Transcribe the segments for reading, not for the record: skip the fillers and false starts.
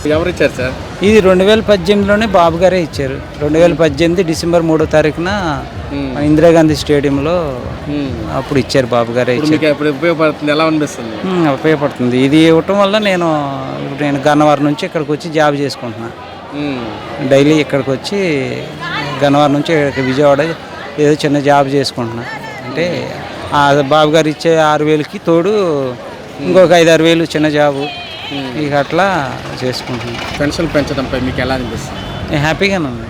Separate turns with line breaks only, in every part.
ఎవరు ఇచ్చారు సార్?
ఇది 2018లోనే బాబు గారే ఇచ్చారు. 2018 డిసెంబర్ 3వ తారీఖున ఇందిరాగాంధీ స్టేడియంలో అప్పుడు ఇచ్చారు, బాబు గారే ఇచ్చారు.
ఇప్పుడు ఉపయోగపడుతుంది, ఎలా అనిపిస్తుంది?
ఉపయోగపడుతుంది. ఇది ఇవ్వటం వల్ల నేను గన్నవరం నుంచి ఇక్కడికి వచ్చి జాబ్ చేసుకుంటున్నాను. డైలీ ఇక్కడికి వచ్చి గన్నవరం నుంచి విజయవాడ ఏదో చిన్న జాబ్ చేసుకుంటున్నా. అంటే బాబు గారు ఇచ్చే 6,000కి తోడు ఇంకొక 5-6 వేలు చిన్న జాబు, ఇక అట్లా చేసుకుంటున్నాను.
పెన్షన్ పెంచడంపై మీకు ఎలా అనిపిస్తుంది?
హ్యాపీగానే ఉంది,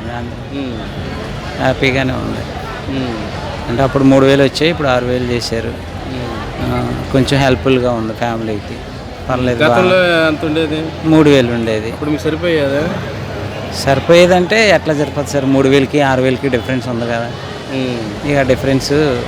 హ్యాపీగానే ఉంది. అంటే అప్పుడు 3,000 వచ్చాయి, ఇప్పుడు 6,000 చేశారు. కొంచెం హెల్ప్ఫుల్గా ఉంది ఫ్యామిలీకి, పర్లేదు.
గతంలో ఎంత ఉండేది?
3,000 ఉండేది.
ఇప్పుడు మీకు సరిపోయేదా?
సరిపోయేదంటే ఎట్లా సరిపోతుంది సార్? 3,000కి 6,000కి డిఫరెన్స్ ఉంది కదా. ఇక డిఫరెన్స్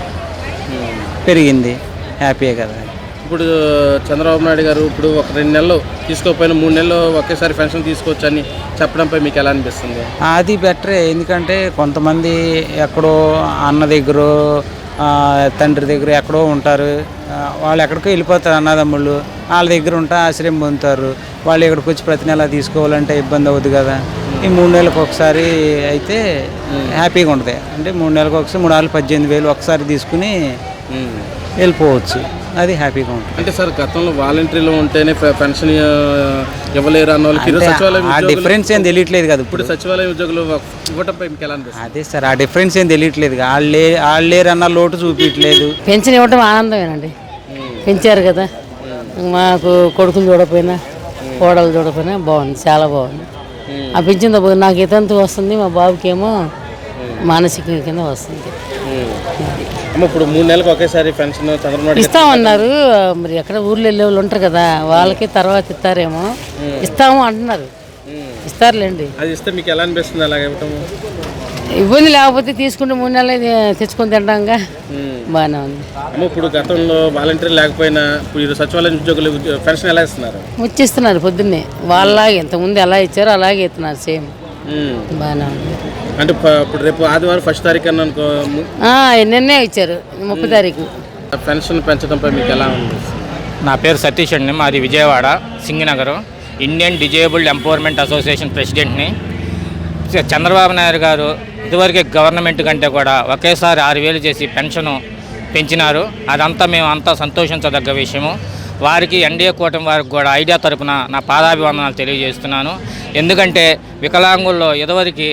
పెరిగింది, హ్యాపీయే కదా.
ఇప్పుడు చంద్రబాబు నాయుడు గారు ఇప్పుడు ఒక 2 నెలలు తీసుకోకపోయినా 3 నెలలు ఒకేసారి పెన్షన్ తీసుకోవచ్చు అని చెప్పడంపై మీకు ఎలా అనిపిస్తుంది?
అది బెటరే. ఎందుకంటే కొంతమంది ఎక్కడో అన్న దగ్గర, తండ్రి దగ్గర ఎక్కడో ఉంటారు. వాళ్ళు ఎక్కడికో వెళ్ళిపోతారు, అన్నదమ్ముళ్ళు వాళ్ళ దగ్గర ఉంటే ఆశ్రయం పొందుతారు. వాళ్ళు ఇక్కడికి వచ్చి ప్రతి నెల తీసుకోవాలంటే ఇబ్బంది అవుతుంది కదా. ఈ 3 నెలలకు ఒకసారి అయితే హ్యాపీగా ఉంటుంది. అంటే 3 నెలలకు ఒకసారి 3,18,000 ఒకసారి తీసుకుని వెళ్ళిపోవచ్చు, అది హ్యాపీగా ఉంటుంది.
అంటే సార్ గతంలో వాలంటీర్లు ఉంటేనే పెన్షన్ ఇవ్వలేరు అన్న వాళ్ళకి
ఆ డిఫరెన్స్ ఏం తెలియట్లేదు కదా.
ఇప్పుడు సచివాలయం ఉద్యోగులు ఇవ్వటంపై మీకు ఎలా అనిపిస్తుంది?
అదే సార్, ఆ డిఫరెన్స్ ఏం తెలియట్లేదు. వాళ్ళు లేరన్న లోటు చూపించట్లేదు.
పెన్షన్ ఇవ్వటం ఆనందమేనండి. పెంచారు కదా, మాకు కొడుకులు చూడకపోయినా కోడలు చూడకపోయినా బాగుంది, చాలా బాగుంది. ఆ పెంచిన నాకు ఇతంతు వస్తుంది, మా బాబుకి ఏమో మానసిక కింద వస్తుంది.
ఇప్పుడు 3 నెలలకు ఒకేసారి పెన్షన్ చంద్రబాబు
ఇస్తామన్నారు. మరి ఎక్కడ ఊర్లో వెళ్ళే వాళ్ళు ఉంటారు కదా, వాళ్ళకి తర్వాత ఇస్తారేమో. ఇస్తాము అంటున్నారు, ఇస్తారులేండి.
అది ఇస్తే మీకు ఎలా అనిపిస్తుంది? అలాగే
ఇబ్బంది లేకపోతే తీసుకుంటే 3 నెలలు తెచ్చుకొని తింటాంగా, బాగానే ఉంది.
ఇప్పుడు గతంలో వాలంటీర్ లేకపోయినా ఇప్పుడు సచివాలయం ఉద్యోగులు పెన్షన్ ఎలా ఇస్తున్నారు?
ఇస్తున్నారు పొద్దున్నే, వాళ్ళలాగే ఇంతకుముందు ఎలా ఇచ్చారో అలాగే ఇస్తున్నారు, సేమ్, బాగానే ఉంది.
అంటే ఇప్పుడు రేపు ఆదివారం 1వ తారీఖు అని అనుకో,
నిన్నే ఇచ్చారు 30వ తారీఖు.
పెన్షన్ పెంచడంపై మీకు ఎలా ఉంది?
నా పేరు సతీష్ అండి, మాది Vijayawada Singanagaram. Indian disabled empowerment association ప్రెసిడెంట్ని. చంద్రబాబు నాయుడు గారు ఇదివరకే గవర్నమెంట్ కంటే కూడా ఒకేసారి 6,000 చేసి పెన్షను పెంచినారు. అదంతా మేము అంతా సంతోషించదగ్గ విషయము. వారికి ఎన్డీఏ కూటమి వారికి కూడా ఐడియా తరపున నా పాదాభివందనాలు తెలియజేస్తున్నాను. ఎందుకంటే వికలాంగుల్లో ఇదివరకు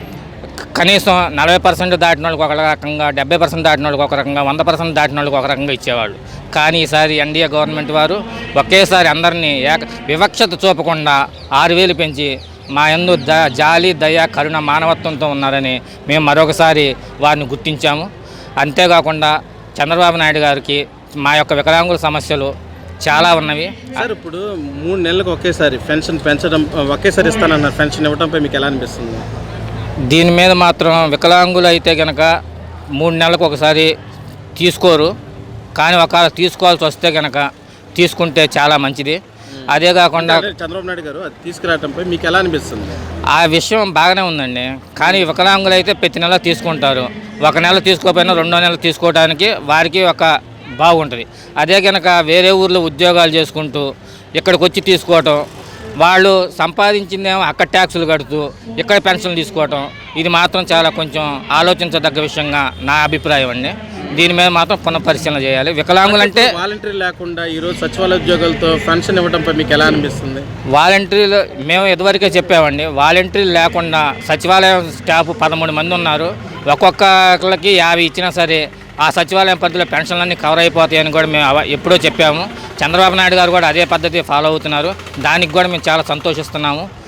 కనీసం 40% దాటిన వాళ్ళకి ఒక రకంగా, 70% దాటిన వాళ్ళకి ఒక రకంగా, 100% దాటిన వాళ్ళకి ఒక రకంగా ఇచ్చేవాళ్ళు. కానీ ఈసారి ఎన్డీఏ గవర్నమెంట్ వారు ఒకేసారి అందరినీ వివక్షత చూపకుండా 6,000 పెంచి మా యందు జాలి, దయ, కరుణ, మానవత్వంతో ఉన్నారని మేము మరొకసారి వారిని గుర్తించాము. అంతేకాకుండా చంద్రబాబు నాయుడు గారికి మా యొక్క వికలాంగుల సమస్యలు చాలా ఉన్నవి.
సార్ ఇప్పుడు 3 నెలలకు ఒకేసారి పెన్షన్ పెంచడం, ఒకేసారి ఇస్తానన్నారు, పెన్షన్ ఇవ్వడంపై మీకు ఎలా అనిపిస్తుంది?
దీని మీద మాత్రం వికలాంగులు అయితే కనుక 3 నెలలకు ఒకసారి తీసుకోరు. కానీ ఒకవేళ తీసుకోవాల్సి వస్తే కనుక తీసుకుంటే చాలా మంచిది. అదే కాకుండా
చంద్రబాబు నాయుడు గారు అది తీసుకురావడంపై మీకు ఎలా అనిపిస్తుంది?
ఆ విషయం బాగానే ఉందండి. కానీ వికలాంగులు అయితే ప్రతి నెల తీసుకుంటారు. ఒక నెల తీసుకోకపోయినా 2వ నెల తీసుకోవడానికి వారికి ఒక బాగుంటుంది. అదే కనుక వేరే ఊర్లో ఉద్యోగాలు చేసుకుంటూ ఇక్కడికి వచ్చి తీసుకోవటం, వాళ్ళు సంపాదించిందేమో అక్కడ ట్యాక్సులు కడుతూ ఇక్కడ పెన్షన్లు తీసుకోవటం, ఇది మాత్రం చాలా కొంచెం ఆలోచించదగ్గ విషయంగా నా అభిప్రాయం అండి. దీని మీద మాత్రం పునఃపరిశీలన చేయాలి. వికలాంగులు అంటే
వాలంటీర్ లేకుండా ఈరోజు సచివాలయ ఉద్యోగులతో పెన్షన్ ఇవ్వడంపై మీకు ఎలా అనిపిస్తుంది?
వాలంటీర్లు మేము ఇదివరకే చెప్పామండి, వాలంటీర్లు లేకుండా సచివాలయం స్టాఫ్ 13 మంది ఉన్నారు. ఒక్కొక్కరికి 50 ఇచ్చినా సరే ఆ సచివాలయం పద్ధతిలో పెన్షన్లన్నీ కవర్ అయిపోతాయని కూడా మేము ఎప్పుడో చెప్పాము. చంద్రబాబు నాయుడు గారు కూడా అదే పద్ధతి ఫాలో అవుతున్నారు. దానికి కూడా మేము చాలా సంతోషిస్తున్నాము.